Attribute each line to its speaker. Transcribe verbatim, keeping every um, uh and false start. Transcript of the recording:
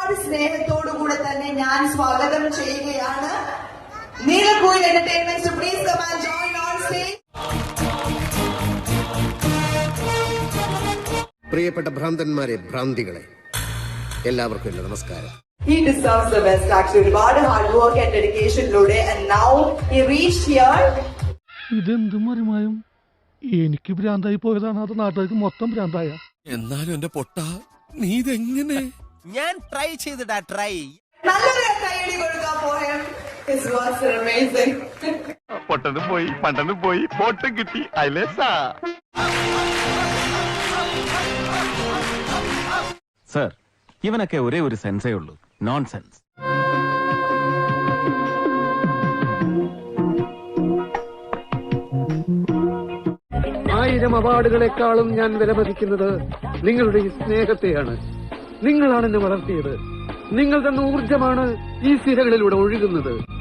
Speaker 1: ഒരുപാട് സ്നേഹത്തോടു കൂടെ തന്നെ ഞാൻ സ്വാഗതം ചെയ്യുകയാണ്. Neelakuyil entertainment, please come and join on stage.
Speaker 2: പ്രിയപ്പെട്ട ഭ്രാന്തന്മാരെ, ഭ്രാന്തികളെ, എല്ലാവർക്കും എന്റെ നമസ്കാരം.
Speaker 1: He deserves the best actually. ഒരുപാട് ഹാർഡ് വർക്ക് ആൻഡ് ഡെഡിക്കേഷനിലൂടെ and now he reached here.
Speaker 3: ഇതെന്ത് മറിമായും എനിക്ക് ഭ്രാന്തായി പോയതാണ്, അത് നാട്ടുകാർക്ക് മൊത്തം ഭ്രാന്തായ.
Speaker 4: എന്നാലും എന്റെ പൊട്ട നീ ഇതെങ്ങനെ?
Speaker 5: ഞാൻ ട്രൈ ചെയ്തിടാ ട്രൈ.
Speaker 1: നല്ലൊരു കൈയടി കൊടുക്കാൻ പോയാൽ his works are amazing.
Speaker 3: പൊട്ടനും പോയി പണ്ടനും പോയി പൊട്ടും കിട്ടി അയലേസാ.
Speaker 6: സർ, ഇവനൊക്കെ ഒരേ ഒരു സെൻസേ ഉള്ളൂ, നോൺ സെൻസ്.
Speaker 3: ആയിരം അവാർഡുകളെക്കാളും ഞാൻ വിലമതിക്കുന്നത് നിങ്ങളുടെ ഈ സ്നേഹത്തെയാണ്. നിങ്ങളാണ് എന്നെ വളർത്തിയത്. നിങ്ങൾ തന്ന ഊർജമാണ് ഈ സിരകളിലൂടെ ഒഴുകുന്നത്.